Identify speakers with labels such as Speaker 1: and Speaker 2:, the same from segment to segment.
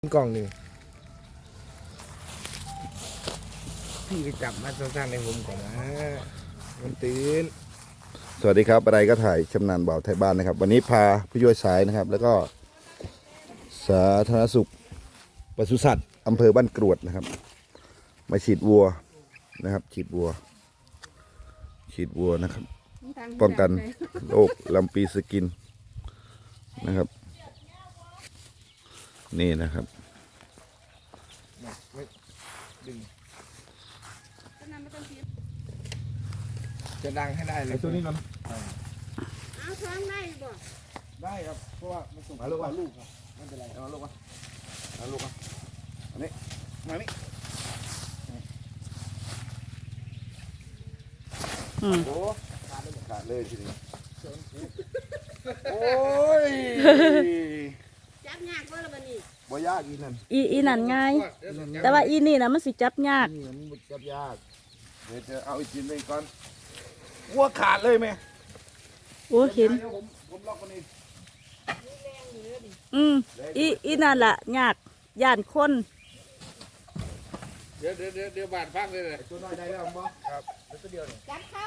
Speaker 1: กล่องหนึ่งพี่ไปจับมาสั้นๆในผมก่อนนะมันตื่น
Speaker 2: สวัสดีครับอะไรก็ถ่ายชำนาญบ่าวไทยบ้านนะครับวันนี้พาผู้ช่วยสายนะครับแล้วก็สาธารณสุขปศุสัตว์อำเภอบ้านกรวดนะครับมาฉีดวัวนะครับฉีดวัวนะครับป้องกันโรคลำปีสกินนะครับนี่นะครับ
Speaker 1: ไม่ดึงจะดังให้ได้เลยตัวนี้นะ
Speaker 3: เอาท้องได้บ่
Speaker 1: ได้ครับเพราะว่ามันส่งลูกครับไม่เป็นไรเอาลูกมาอันนี้มานี่โอ้ขาดเลยทีนี้โอ้ย
Speaker 3: จับยากบ่ล่ะบัดนี้
Speaker 1: บ่ยากอีนั่น
Speaker 4: อีนั่นง่ายแต่ว่าอีนี่นะมันสิจับยาก
Speaker 1: นี่มันจับยากเดี๋ยวจะเอาอีกทีนึงก่อนวัวขาดเลยไหม
Speaker 4: โอ้เห็น
Speaker 1: ผมล็อกมันเอง
Speaker 4: อีนั่นล่ะยากย่านคน
Speaker 5: เดี๋ยวบาดฟังเลยเลย
Speaker 1: ตัวน้อยได้แล้วมั้งครับตัวเดียวเนี่ย
Speaker 3: จับเข้า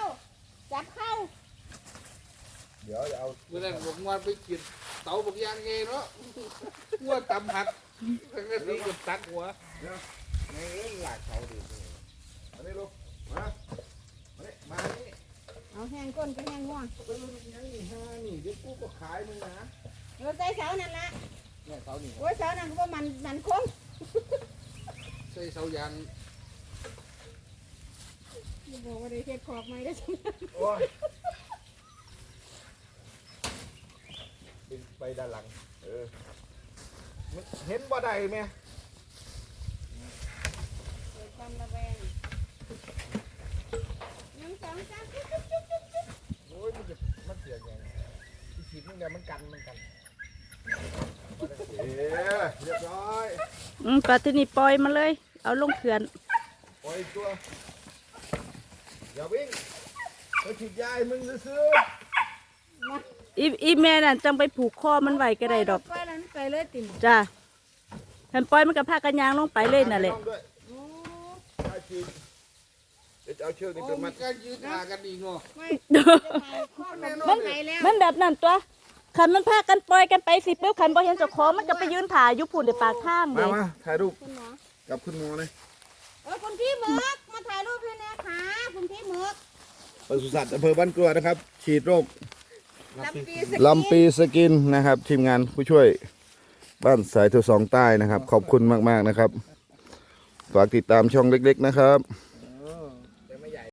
Speaker 1: เดี๋ยวจะเอา
Speaker 5: เมื่อนั้นผมว่าไปกินเตาบกยางไงเนาะหัวตำหักแล้วก็ตีกับตักหัว
Speaker 1: ในเรื่องหลักเขาดิมาดิลูกมานี่
Speaker 3: เอาแห้งก้นก็แห้งง่วง
Speaker 1: เป็นลูกยังนี่ฮะนี่เดี๋ยวกูก็ขายมึงนะ
Speaker 3: เราใจเสานั่นละ
Speaker 1: เนี่ยเขานี่
Speaker 3: โอ้ยเสานั่นก็ว่ามันคง
Speaker 5: ใส่เสายาง
Speaker 3: บอกว่าได้เฮ็ดขอบไม้ได้จัง
Speaker 1: โอ้ยไปด้านหลังมันเห็นบ่ได้ไหม
Speaker 3: เกิดความระแวง1 2 3จุ๊บ
Speaker 1: โอ้ยมันเสียยังที่ฉีดมึงเนี่ยมันกันเรียบร้อย
Speaker 4: ปลาที่นี่ปล่อยมาเลยเอาลงเขื่อน
Speaker 1: ปล่อยตัวอย่าวิ่งไปฉีดยาให้มึงซื้อ
Speaker 4: อีแม่นั่นจังไปผูกคอมันไว้ก็ได้ดอก
Speaker 3: ปล่อยแล้วมันไปเลยติ่ม
Speaker 4: จ้าฉันปล่อยมันกับผ้ากันยางลงไปเลยนั่นแหละ
Speaker 3: โอ้
Speaker 1: เดี๋ยวจะเอาเชือกนี้
Speaker 5: โอ้
Speaker 1: เป็น
Speaker 5: มั
Speaker 1: มัน ด
Speaker 5: ก็ยืดมากันอีกเนาะ
Speaker 3: ไม่จะถ่ายข้อมันไปแล้ว
Speaker 4: มันแบบนั้นตัวขันมันพากันปล่อยกันไปสิปุ๊บขันบ่เห็นเจ้าของมันก็ไปยืนถ่ายอยู่พุ่นในปากทางเลย
Speaker 1: มาถ่ายรูป
Speaker 3: คุณหมอ
Speaker 1: กับคุณหมอเลย
Speaker 3: คุณพี่หมึกมาถ่ายรูปให้นะค่ะคุณพี่หมึก
Speaker 1: ปศุสัตว์อำเภอบ้านกลัวนะครับ ฉีดโรค
Speaker 3: ลำปี
Speaker 2: ลำปีสกินนะครับทีมงานผู้ช่วยบ้านสายโทรสองใต้นะครับขอบคุณมากๆนะครับฝากติดตามช่องเล็กๆนะครับ